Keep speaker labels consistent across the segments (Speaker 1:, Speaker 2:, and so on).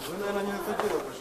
Speaker 1: Вы, наверное, не на то дело пошли.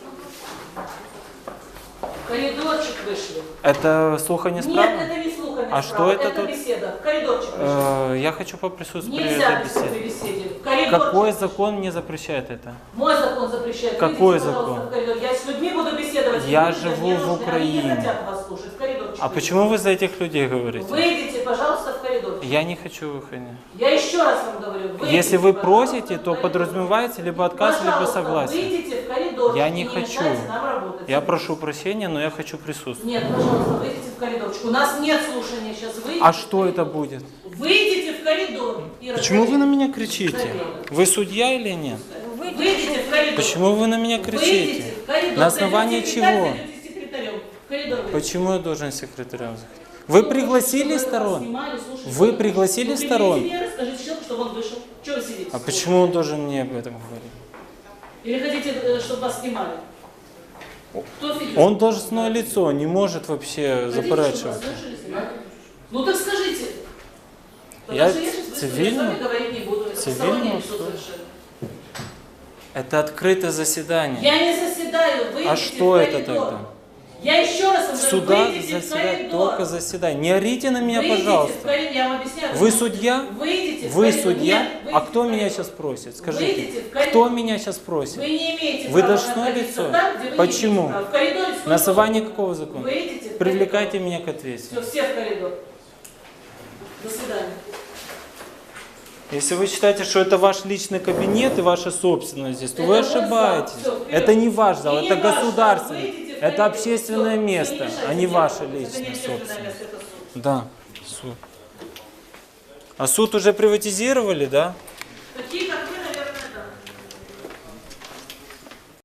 Speaker 2: В коридорчик вышли.
Speaker 3: Это слухание
Speaker 2: Нет,
Speaker 3: справа?
Speaker 2: это не слухание
Speaker 3: А
Speaker 2: справа,
Speaker 3: что это тут?
Speaker 2: беседа. В коридорчик вышли.
Speaker 3: Я хочу поприсутствовать при
Speaker 2: Нельзя
Speaker 3: этой беседе.
Speaker 2: при беседе. В коридорчик
Speaker 3: Какой
Speaker 2: вышли.
Speaker 3: закон мне запрещает это?
Speaker 2: Мой закон запрещает.
Speaker 3: Какой
Speaker 2: Выйдите, пожалуйста,
Speaker 3: закон?
Speaker 2: в коридор. Я с людьми буду беседовать.
Speaker 3: Я
Speaker 2: Люди
Speaker 3: живу
Speaker 2: мне
Speaker 3: в
Speaker 2: нужны,
Speaker 3: Украине.
Speaker 2: Они не хотят вас слушать. В коридорчик.
Speaker 3: А
Speaker 2: выйдите.
Speaker 3: почему вы за этих людей говорите?
Speaker 2: Выйдите, пожалуйста, в коридорчик.
Speaker 3: Я не хочу выходить.
Speaker 2: Я еще раз вам говорю. Выйдите,
Speaker 3: Если вы
Speaker 2: пожалуйста,
Speaker 3: просите,
Speaker 2: в
Speaker 3: то
Speaker 2: коридор.
Speaker 3: подразумевается либо отказ, либо
Speaker 2: Пожалуйста,
Speaker 3: согласие.
Speaker 2: выйдите в коридор.
Speaker 3: Я не
Speaker 2: и
Speaker 3: хочу.
Speaker 2: мешайте нам работать.
Speaker 3: Я прошу прощения, но я хочу присутствовать.
Speaker 2: Нет, пожалуйста, выйдите в коридорчик. У нас нет слушания сейчас. Выйдите
Speaker 3: А
Speaker 2: в
Speaker 3: что
Speaker 2: коридор.
Speaker 3: это будет?
Speaker 2: Выйдите в коридор. и
Speaker 3: Почему вы на
Speaker 2: разговаривайте.
Speaker 3: меня кричите? Вы судья или нет?
Speaker 2: Выйдите в коридор.
Speaker 3: Почему вы на меня
Speaker 2: Выйдите
Speaker 3: кричите?
Speaker 2: в коридор.
Speaker 3: На основании
Speaker 2: Зайдете секретарь,
Speaker 3: чего?
Speaker 2: зайдете секретарем. В коридор выйдите.
Speaker 3: Почему я должен секретарем заходить? Вы пригласили
Speaker 2: Чтобы вас
Speaker 3: сторон?
Speaker 2: снимали, слушали,
Speaker 3: Вы
Speaker 2: что
Speaker 3: пригласили
Speaker 2: вы
Speaker 3: сторон?
Speaker 2: предъявите меры, скажите человеку, чтобы он вышел. Чего вы сидите?
Speaker 3: А почему он должен мне об этом говорить?
Speaker 2: Или хотите, чтобы вас снимали? Кто фигурирует?
Speaker 3: Он должностное лицо, не может вообще
Speaker 2: Хотите, чтобы
Speaker 3: заперечивать.
Speaker 2: вас слушали, снимали? Ну так скажите.
Speaker 3: Я
Speaker 2: Потому что сейчас быстро
Speaker 3: цивильно-
Speaker 2: с вами говорить не буду. Это
Speaker 3: цивильно
Speaker 2: постороннее лицо
Speaker 3: условие.
Speaker 2: совершенно.
Speaker 3: Это открытое заседание.
Speaker 2: Я не заседаю, выйдите
Speaker 3: А что
Speaker 2: в
Speaker 3: это
Speaker 2: коридор.
Speaker 3: тогда?
Speaker 2: Я еще раз вам
Speaker 3: В
Speaker 2: говорю,
Speaker 3: судах
Speaker 2: выйдите в
Speaker 3: заседать
Speaker 2: коридор.
Speaker 3: только заседание. Не орите на меня,
Speaker 2: Выйдите в
Speaker 3: пожалуйста.
Speaker 2: коридор. Я вам объясняю.
Speaker 3: Вы судья?
Speaker 2: Выйдите в
Speaker 3: Вы
Speaker 2: коридор.
Speaker 3: судья?
Speaker 2: Нет,
Speaker 3: А
Speaker 2: выйдите
Speaker 3: кто
Speaker 2: в
Speaker 3: меня
Speaker 2: коридор.
Speaker 3: сейчас просит?
Speaker 2: Выйдите
Speaker 3: Скажите,
Speaker 2: в коридор.
Speaker 3: кто меня сейчас просит?
Speaker 2: Вы не имеете
Speaker 3: Вы
Speaker 2: права
Speaker 3: должностное
Speaker 2: находиться
Speaker 3: лицо?
Speaker 2: там, где вы
Speaker 3: Почему?
Speaker 2: не имеете права. В коридоре сколько
Speaker 3: На основании
Speaker 2: угодно.
Speaker 3: какого закона?
Speaker 2: Выйдите в
Speaker 3: Привлекайте
Speaker 2: коридор.
Speaker 3: меня к ответственности.
Speaker 2: Все в коридор. До свидания.
Speaker 3: Если вы считаете, что это ваш личный кабинет и ваша собственность здесь, то вы
Speaker 2: Это мой
Speaker 3: ошибаетесь.
Speaker 2: зал. Всё, вперед.
Speaker 3: Это не ваш зал,
Speaker 2: И не
Speaker 3: это
Speaker 2: ваш зал.
Speaker 3: государственный.
Speaker 2: Выйдите в
Speaker 3: Это
Speaker 2: коридор.
Speaker 3: общественное
Speaker 2: Всё,
Speaker 3: место,
Speaker 2: не мешайте
Speaker 3: а не
Speaker 2: мне
Speaker 3: ваша
Speaker 2: работать. Это не
Speaker 3: личная
Speaker 2: общественное
Speaker 3: собственность.
Speaker 2: место, это суд.
Speaker 3: Да, суд. А суд уже приватизировали, да?
Speaker 2: Какие